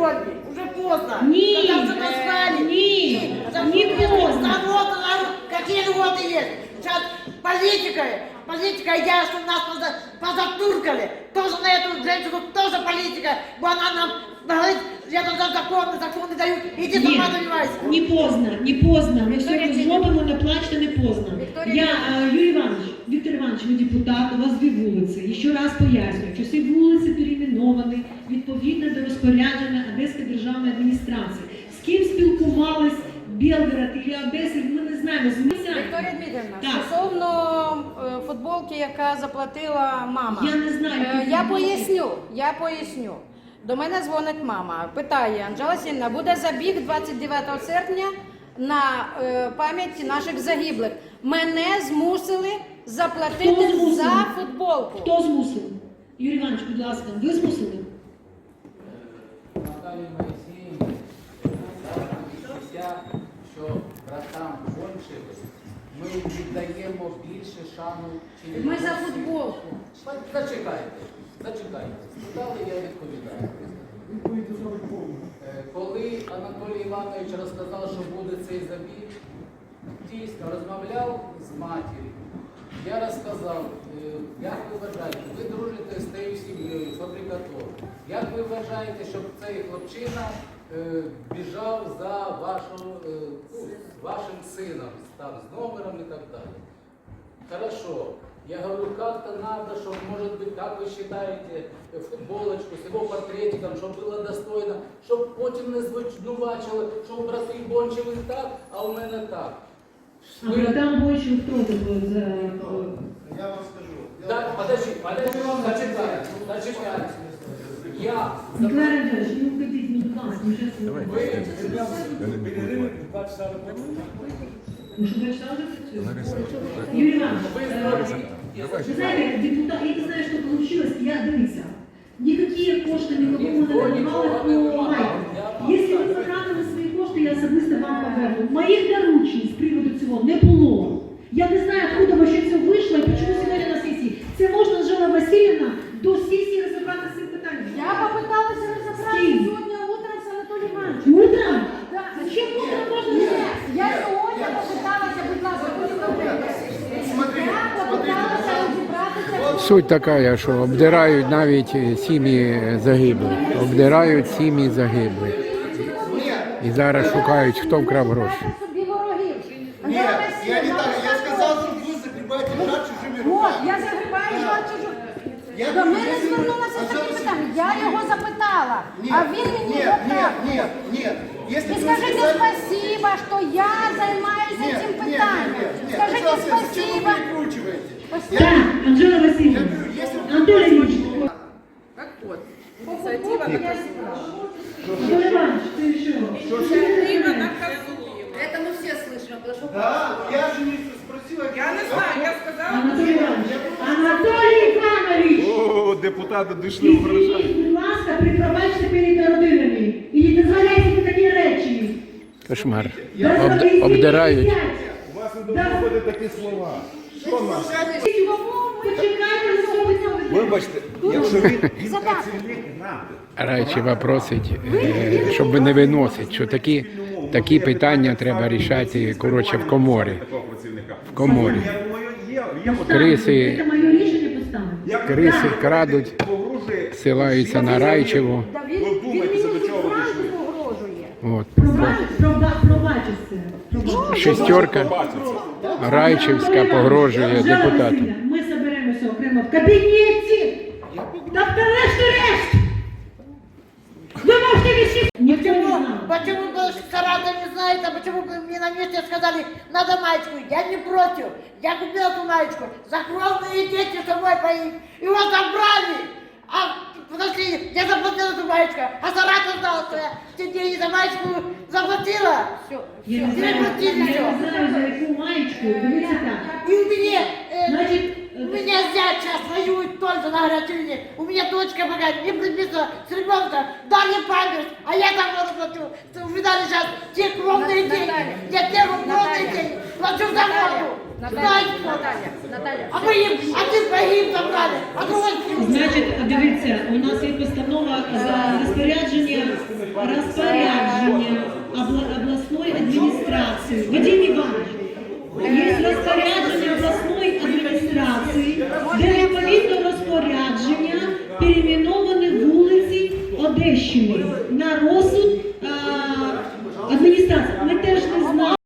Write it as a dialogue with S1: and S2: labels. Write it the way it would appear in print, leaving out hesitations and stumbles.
S1: сегодня. Уже поздно.
S2: Нет,
S1: Когда уже назвали.
S2: не поздно.
S1: Какие льготы есть? Сейчас политика, я, что нас позатуркали. Тоже на эту женщину, тоже политика. Бо она нам говорит, я там законы дают, иди сама занимайся.
S2: Не поздно. Ми все зробимо, не плачте, не поздно. Юрій Іванович, Віктор Іванович, ви депутат, у вас 2 вулиці. І ще раз пояснюю, що всі вулиці перейменовані відповідно до розпорядження Одеської державної адміністрації. З ким спілкувались Белгород і Одеса, ми не знаємо.
S3: Вікторія Дмитрівна, стосовно футболки, яка заплатила мама.
S2: Я не знаю.
S3: Я поясню. До мене дзвонить мама, питає: Анжела Сінна, буде забіг 29 серпня на пам'ять наших загиблих. Мене змусили заплатити за футболку.
S2: Хто змусив? Юрій Іванович, будь ласка, ви змусили?
S4: Наталії Моїсеївні, що братам кончились, ми віддаємо більше шану, чим...
S3: Ми за футболку.
S4: Зачекайте. Спитали, я відповідаю. Коли Анатолій Іванович розказав, що буде цей забіг, дійсно розмовляв з матір'ю. Я розказав, як ви вважаєте, ви дружите з тією сім'єю, фабрикатором. Як ви вважаєте, щоб цей хлопчина біжав за вашим сином, там, з номером і так далі? Хорошо. Я говорю, как-то надо, чтобы, может быть, как вы считаете, футболочку с его портретиком, чтобы было достойно, чтобы потім не звинувачили, що у брати Бончевих так, а у мене так.
S2: А братам Бончевих хто це був за...
S5: Я вам скажу.
S4: Так, зачекайте. Я...
S2: Николай Андреевич, не уходите, не будь ласка, мы сейчас... Ну что, 2 часа уже працює? Юрій Іванович, ви знаєте, депутат, я не знаю, що получилось, я дивіться. Никакие кошти никому не надавали по майку. Якщо ви потратили свої кошти, я особисто вам поверну. Моїх доручень з приводу цього не було. Я не знаю, откуда вообще це вийшло і чому сьогодні на сесії. Це можна, Анжела Васильівна, до сесії розібрати з цим питанням.
S3: Я попыталась разобраться сегодня утром с Анатолием Ивановичем.
S2: Утром?
S3: Да.
S2: Зачем утром можно
S3: Нет,
S2: взять?
S3: я сегодня попыталась, будь ласка, я попыталась разобраться.
S6: Суть така, що обдирають навіть сім'ї загиблих. Обдирають сім'ї загиблих. І зараз шукають, хто вкрав гроші.
S3: Собі ворогів.
S5: Нет, я не так. Я сказал, что вы загребаете жар чужими
S3: От,
S5: руками.
S3: я загрібаю жар чужу.
S5: Я
S3: До
S5: говорю,
S3: мене
S5: если вы-
S3: звернулася з таким
S5: Анжела
S3: питанням. Я його запитала,
S5: Нет,
S3: а він мені
S5: нет,
S3: отак.
S5: нет. Если
S3: І
S5: бы вы
S3: скажите
S5: сказали-
S3: спасибо, що я займаюся
S5: Нет,
S3: цим
S5: нет,
S3: питанням.
S5: нет.
S3: Скажите
S5: Пожалуйста, зачем вы
S3: спасибо.
S5: перекручиваете?
S2: Так, Анжела Васильевна,
S5: Я говорю, если бы-
S2: Анатолий Ильич,
S7: Как вот, инициатива наказуема.
S2: Анатолий Иванович, ты еще?
S7: Инициатива наказуема.
S8: Это мы все слышим, потому что...
S5: Да, я же не спросила.
S7: Я не знаю, я сказала...
S2: Анатолий Иванович, Анатолий Иванович!
S9: О, депутати дійшли в вражання.
S2: Ідіть, будь ласка, прикривайте перед родинами. І не дозволяйте такі речі.
S6: Кошмар.
S2: Дозволяйте
S6: Обдирають.
S2: сидять.
S9: У вас не доходять такі слова. Що нас?
S2: Почекайте, не зробиться.
S9: Вибачте, якщо він працівник НАТО.
S6: Райчева просить, щоб не виносить, що такі питання треба рішати, коротше, в коморі.
S9: Такого працівника.
S6: В коморі.
S9: Я думаю, є.
S6: Криси,
S2: Це моє рішення поставити.
S6: криси крадуть,
S9: Погрожує.
S6: ссилаються на Райчеву.
S3: Та
S9: Ви
S3: він
S9: вдумайтеся,
S3: мені
S9: до чого ви
S3: зразу
S9: дійшли.
S3: погрожує.
S6: От.
S2: Пробачиться.
S6: Шестерка Райчевська погрожує депутату.
S2: Ми зберемося окремо в кабінеті. Та врешті-решт! Ви можете висіти. Ніхто не знав.
S1: Почему Сарада не знает, а почему мне на месте сказали, надо маечку? Я не против. Я купила эту маечку. Закровные дети с собой поим. Его забрали. А подожди, я заплатила эту маечку. А Сарата знала, что я те деньги за маечку заплатила. Все.
S2: Я не
S1: Тебе платили
S2: знаю,
S1: все.
S2: за яку маєчку. Дивіться так.
S1: И у меня,
S2: Значит,
S1: у меня зять сейчас воюет тоже на горячей линии. У меня дочка пока не приписана с ребенком, дали памперс, а я там плачу. Вы видали сейчас те кровные деньги. Я те кровные деньги плачу за воду.
S8: Наталья.
S1: А мы им, а ты погиб забрали. А другой
S2: Значить, дивіться, у нас є постанова за розпорядження розпорядження обласної адміністрації. Вадим Іванович, є розпорядження обласної адміністрації, де відповідно розпорядження перейменовані вулиці Одещини на розсуд адміністрації. Ми теж не знаємо.